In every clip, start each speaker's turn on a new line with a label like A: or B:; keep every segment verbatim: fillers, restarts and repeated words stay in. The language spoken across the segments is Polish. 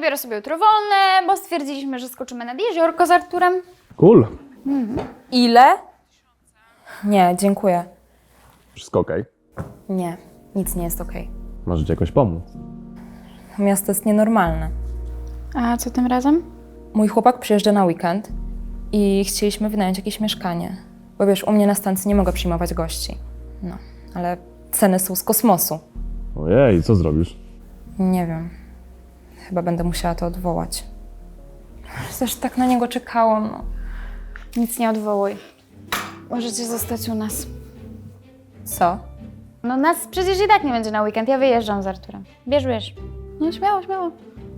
A: biorę sobie jutro wolne, bo stwierdziliśmy, że skoczymy nad jeziorko z Arturem.
B: Cool.
C: Ile? Nie, dziękuję.
B: Wszystko okej?
C: Nie, nic nie jest okej.
B: Może ci jakoś pomóc?
C: To miasto jest nienormalne.
A: A co tym razem?
C: Mój chłopak przyjeżdża na weekend i chcieliśmy wynająć jakieś mieszkanie. Bo wiesz, u mnie na stacji nie mogę przyjmować gości. No, ale ceny są z kosmosu.
B: Ojej, co zrobisz?
C: Nie wiem. Chyba będę musiała to odwołać. Też tak na niego czekałam, no.
A: Nic nie odwołuj. Możecie zostać u nas.
C: Co?
A: No nas przecież i tak nie będzie na weekend, ja wyjeżdżam z Arturem. Bierz, bierz. No śmiało, śmiało.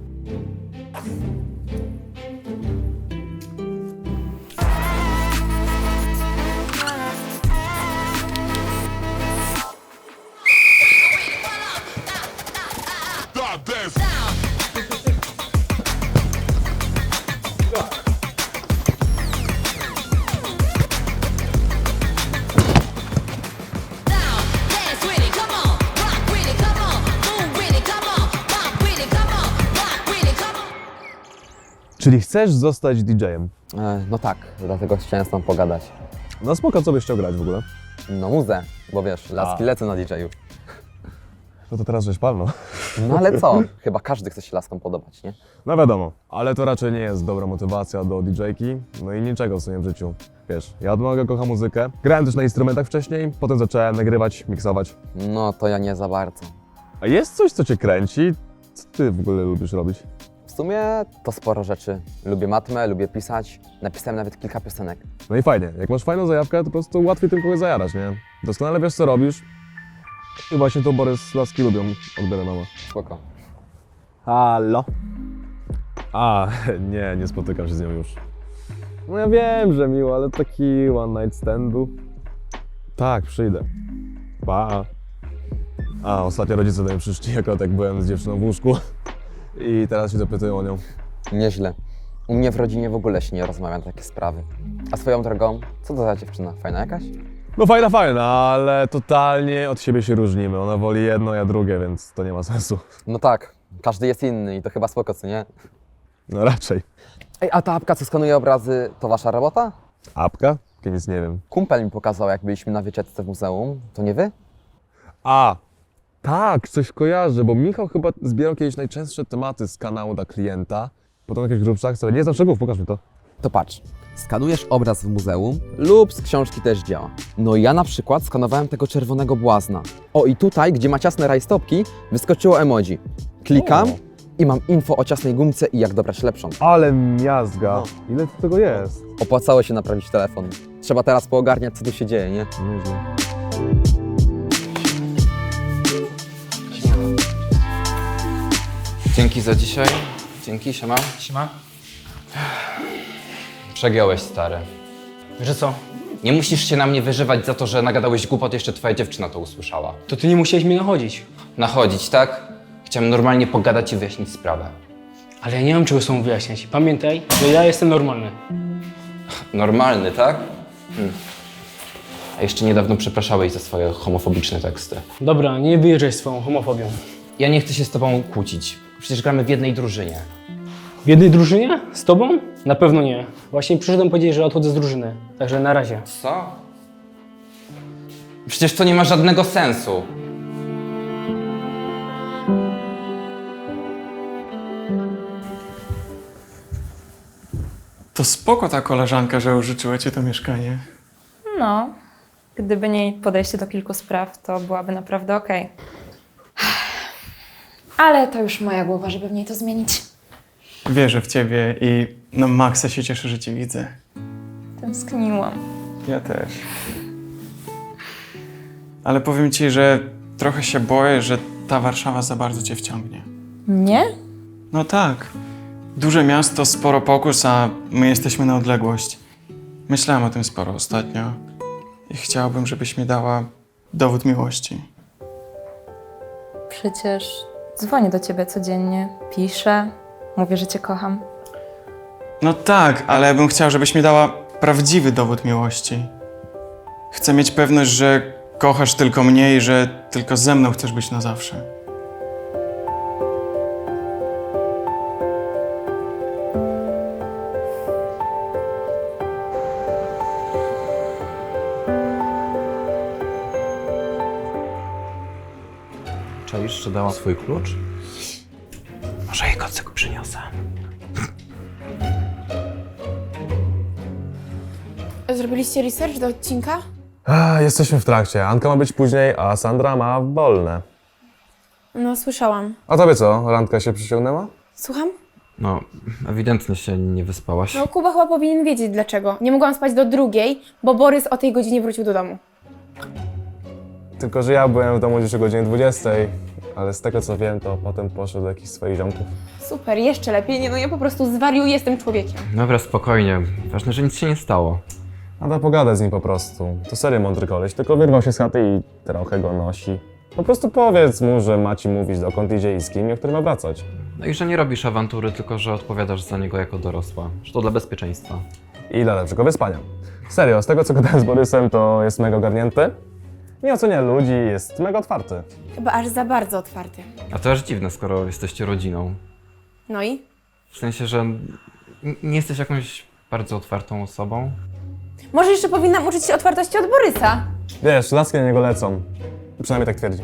B: Czyli chcesz zostać didżejem?
D: E, no tak, dlatego chciałem z tą pogadać.
B: No spoko, co byś chciał grać w ogóle?
D: No muzę, bo wiesz, laski
B: A.
D: lecą na didżeju.
B: No to teraz żeś palno.
D: No ale co? Chyba każdy chce się laskom podobać, nie?
B: No wiadomo, ale to raczej nie jest dobra motywacja do didżejki, no i niczego w swoim życiu. Wiesz, ja od małego kocham muzykę, grałem też na instrumentach wcześniej, potem zacząłem nagrywać, miksować.
D: No to ja nie za bardzo.
B: A jest coś, co cię kręci? Co ty w ogóle lubisz robić?
D: W sumie to sporo rzeczy. Lubię matmę, lubię pisać. Napisałem nawet kilka piosenek.
B: No i fajnie, jak masz fajną zajawkę, to po prostu łatwiej tym kogoś zajarać, nie? Doskonale wiesz, co robisz. I właśnie to Borys laski lubią, odbiera mama.
D: Spoko.
B: Halo? A, nie, nie spotykam się z nią już. No ja wiem, że miło, ale taki one night stand był. Tak, przyjdę. Pa. A, ostatnio rodzice do mnie przyszli, akurat jak byłem z dziewczyną w łóżku. I teraz się dopytują o nią.
D: Nieźle. U mnie w rodzinie w ogóle się nie rozmawia na takie sprawy. A swoją drogą, co to za dziewczyna? Fajna jakaś?
B: No fajna, fajna, ale totalnie od siebie się różnimy. Ona woli jedno, ja drugie, więc to nie ma sensu.
D: No tak, każdy jest inny i to chyba spoko, co nie?
B: No raczej.
D: Ej, a ta apka, co skanuje obrazy, to wasza robota?
B: Apka? Ja nic nie wiem.
D: Kumpel mi pokazał, jak byliśmy na wycieczce w muzeum. To nie wy?
B: A, tak, coś kojarzę, bo Michał chyba zbierał kiedyś najczęstsze tematy z kanału dla klienta. Potem jakieś grubszach, co nie znam szczegółów, pokaż mi to.
D: To patrz, skanujesz obraz w muzeum lub z książki też działa. No i ja na przykład skanowałem tego czerwonego błazna. O i tutaj, gdzie ma ciasne rajstopki, wyskoczyło emoji. Klikam
B: O.
D: i mam info o ciasnej gumce i jak dobrać lepszą.
B: Ale miazga. Ile tu tego jest?
D: Opłacało się naprawić telefon. Trzeba teraz poogarniać, co tu się dzieje, nie?
B: Nieźle.
E: Dzięki za dzisiaj. Dzięki, siema.
F: Siema.
E: Przegiąłeś, stary.
F: Że co?
E: Nie musisz się na mnie wyżywać za to, że nagadałeś głupot, jeszcze twoja dziewczyna to usłyszała.
F: To ty nie musiałeś mnie nachodzić.
E: Nachodzić, tak? Chciałem normalnie pogadać i wyjaśnić sprawę.
F: Ale ja nie mam czego sobą wyjaśniać. Pamiętaj, że ja jestem normalny.
E: Normalny, tak? Hmm. A jeszcze niedawno przepraszałeś za swoje homofobiczne teksty.
F: Dobra, nie wyjeżdżaj swoją homofobią.
E: Ja nie chcę się z tobą kłócić. Przecież gramy w jednej drużynie.
F: W jednej drużynie? Z tobą? Na pewno nie. Właśnie przyszedłem powiedzieć, że odchodzę z drużyny. Także na razie.
E: Co? Przecież to nie ma żadnego sensu.
G: To spoko ta koleżanka, że użyczyła ci to mieszkanie.
C: No, gdyby nie jej podejście do kilku spraw, to byłaby naprawdę okej.
A: Ale to już moja głowa, żeby w niej to zmienić.
G: Wierzę w ciebie i no maksa się cieszę, że cię widzę.
C: Tęskniłam.
G: Ja też. Ale powiem ci, że trochę się boję, że ta Warszawa za bardzo cię wciągnie.
C: Nie?
G: No tak. Duże miasto, sporo pokus, a my jesteśmy na odległość. Myślałem o tym sporo ostatnio i chciałbym, żebyś mi dała dowód miłości.
C: Przecież dzwonię do ciebie codziennie, piszę, mówię, że cię kocham.
G: No tak, ale ja bym chciał, żebyś mi dała prawdziwy dowód miłości. Chcę mieć pewność, że kochasz tylko mnie i że tylko ze mną chcesz być na zawsze.
E: Mówisz, że dała swój klucz? Może jej kocyk przyniosę.
H: Zrobiliście research do odcinka?
B: A, jesteśmy w trakcie. Anka ma być później, a Sandra ma wolne.
H: No, słyszałam.
B: A tobie co? Randka się przyciągnęła?
H: Słucham?
E: No, ewidentnie się nie wyspałaś.
H: No, Kuba chyba powinien wiedzieć dlaczego. Nie mogłam spać do drugiej, bo Borys o tej godzinie wrócił do domu.
B: Tylko, że ja byłem w domu gdzieś o godzinie dwudziestej, ale z tego co wiem, to potem poszedł do jakichś swoich ziomków.
H: Super, jeszcze lepiej. Nie, no ja po prostu zwariuję, jestem człowiekiem.
E: Dobra, spokojnie. Ważne, że nic się nie stało.
B: Nada pogadać z nim po prostu. To serio mądry koleś, tylko wyrwał się z chaty i trochę go nosi. Po prostu powiedz mu, że ma ci mówić dokąd idzie i z kim i o którym ma wracać.
E: No i że nie robisz awantury, tylko że odpowiadasz za niego jako dorosła. Że to dla bezpieczeństwa.
B: I dla lepszego wyspania. Serio, z tego co gadałem z Borysem, to jest mega ogarnięty. Nie ocenia ludzi, jest mega otwarty.
H: Chyba aż za bardzo otwarty.
E: A to aż dziwne, skoro jesteście rodziną.
H: No i?
E: W sensie, że n- nie jesteś jakąś bardzo otwartą osobą.
H: Może jeszcze powinnam uczyć się otwartości od Borysa?
B: Wiesz, laski na niego lecą. Przynajmniej tak twierdzi.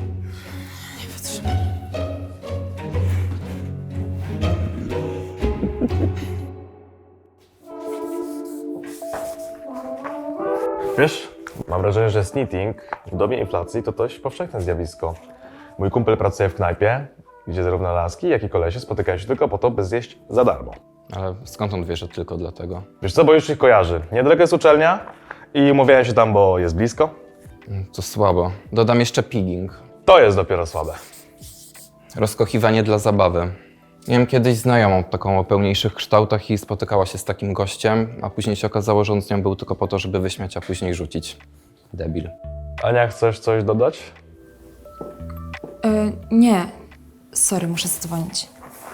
B: Wiesz, mam wrażenie, że snitting w dobie inflacji to dość powszechne zjawisko. Mój kumpel pracuje w knajpie, gdzie zarówno laski, jak i kolesie spotykają się tylko po to, by zjeść za darmo.
E: Ale skąd on wie, że tylko dlatego?
B: Wiesz co, bo już ich kojarzy. Niedaleko jest uczelnia i umówiają się tam, bo jest blisko.
E: Mm, To słabo. Dodam jeszcze pigging.
B: To jest dopiero słabe.
E: Rozkochiwanie dla zabawy. Miałem kiedyś znajomą taką o pełniejszych kształtach i spotykała się z takim gościem, a później się okazało, że on z nią był tylko po to, żeby wyśmiać, a później rzucić. Debil.
B: Ania, chcesz coś dodać?
C: Yy, nie. Sorry, muszę zadzwonić.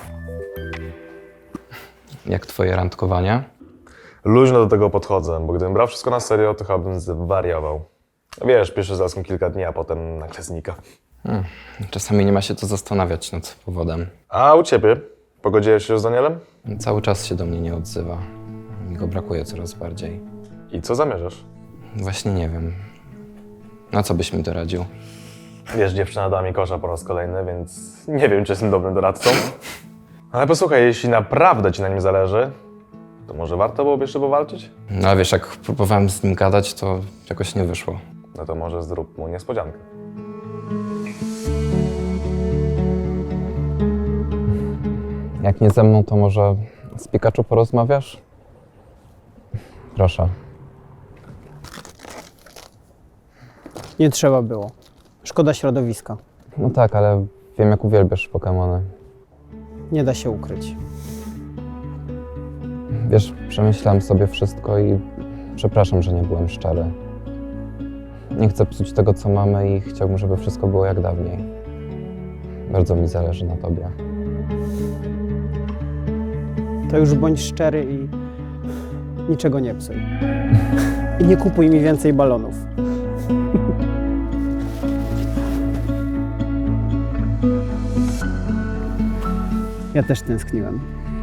E: Jak twoje randkowanie?
B: Luźno do tego podchodzę, bo gdybym brał wszystko na serio, to chyba bym zwariował. Wiesz, pierwszy z laską kilka dni, a potem nagle znika.
E: Hmm. Czasami nie ma się co zastanawiać nad powodem.
B: A u ciebie? Pogodziłeś się z Danielem?
E: Cały czas się do mnie nie odzywa. Mi go brakuje coraz bardziej.
B: I co zamierzasz?
E: Właśnie nie wiem. Na co byś mi doradził?
B: Wiesz, dziewczyna dała mi kosza po raz kolejny, więc nie wiem, czy jestem dobrym doradcą. Ale posłuchaj, jeśli naprawdę ci na nim zależy, to może warto byłoby jeszcze powalczyć?
E: No a wiesz, jak próbowałem z nim gadać, to jakoś nie wyszło.
B: No to może zrób mu niespodziankę.
E: Jak nie ze mną, to może z Pikachu porozmawiasz? Proszę.
I: Nie trzeba było. Szkoda środowiska.
E: No tak, ale wiem, jak uwielbiasz Pokemony.
I: Nie da się ukryć.
E: Wiesz, przemyślałem sobie wszystko i przepraszam, że nie byłem szczery. Nie chcę psuć tego, co mamy i chciałbym, żeby wszystko było jak dawniej. Bardzo mi zależy na tobie.
I: To już bądź szczery i niczego nie psuj. I nie kupuj mi więcej balonów. Ja też tęskniłem.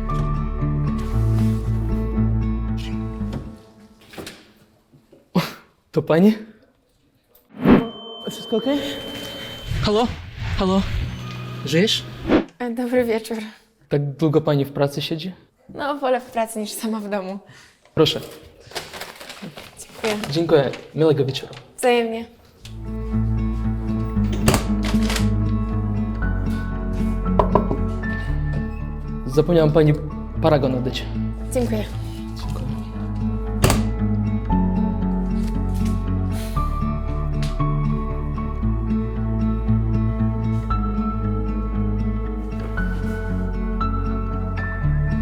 F: To pani?
I: Wszystko okej?
F: Halo? Halo? Żyjesz?
H: E, Dobry wieczór.
F: Tak długo pani w pracy siedzi?
H: No, wolę w pracy niż sama w domu.
F: Proszę.
H: Dziękuję.
F: Dziękuję. Miłego wieczoru.
H: Wzajemnie.
F: Zapomniałam pani paragon oddać.
H: Dziękuję.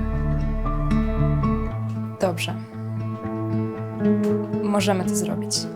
C: Dobrze. Możemy to zrobić.